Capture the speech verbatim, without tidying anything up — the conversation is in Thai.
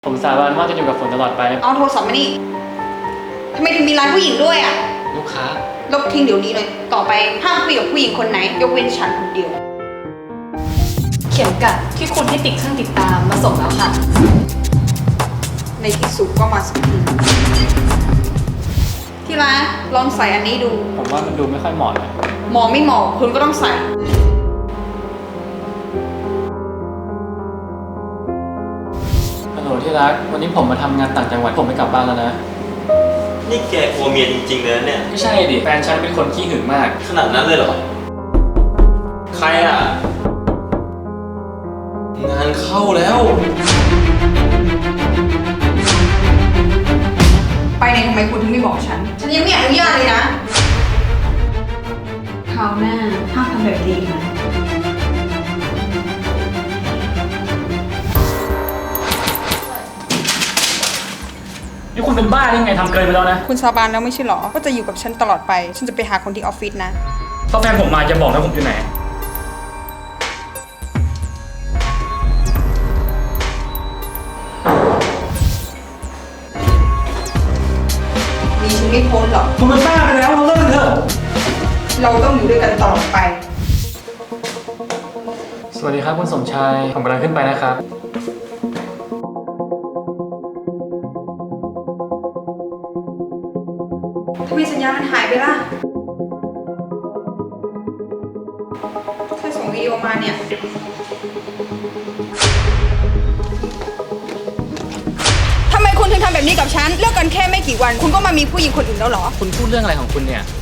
ผมสาบานว่าจะอยู่กับฝนตลอดไปเอาโทรศัพท์มานี่ทำไมถึงมีร้านผู้หญิงด้วยอ่ะลูกค้าลบทิ้งเดี๋ยวนี้เลย ต่อไปห้ามคุยกับผู้หญิงคนไหน ยกเว้นฉันคนเดียวเข็มกัดที่คุณให้ติดเครื่องติดตามมาส่งแล้วค่ะในที่สุดก็มาสักทีที่ร้านลองใส่อันนี้ดูผมว่ามันดูไม่ค่อยเหมาะเลยหมอไม่หมอคุณก็ต้องใส่ฮัลโหลที่รัก วันนี้ผมมาทำงานต่างจังหวัด ผมไม่กลับบ้านแล้วนะนี่แกกลัวเมียจริงๆเลยนะเนี่ยไม่ใช่ดิ แฟนฉันเป็นคนขี้หึงมากขนาดนั้นเลยเหรอ ใครอ่ะ งานเข้าแล้วไปไหนทำไมคุณถึงไม่บอกฉัน ฉันยังไม่อนุญาตเลยนะคราวหน้าห้ามทำแบบนี้อีกนะนี่คุณเป็นบ้ายังไงทำเกินไปแล้วนะคุณสาบานแล้วไม่ใช่หรอว่าจะอยู่กับฉันตลอดไป ฉันจะไปหาคนที่ออฟฟิศนะถ้าแฟนผมมาจะบอกนะผมอยู่ไหนมีฉันไม่พ้นหรอกคุณเป็นบ้าไปแล้วเราเลิกกันเถอะเราต้องอยู่ด้วยกันตลอดไปสวัสดีครับคุณสมชาย ผมกำลังขึ้นไปนะครับทำไมสัญญาณมันหายไปล่ะเธอส่งวิดีโอมาเนี่ย ทำไมคุณถึงทำแบบนี้กับฉัน เลิกกันแค่ไม่กี่วัน คุณก็มามีผู้หญิงคนอื่นแล้วเหรอคุณพูดเรื่องอะไรของคุณเนี่ย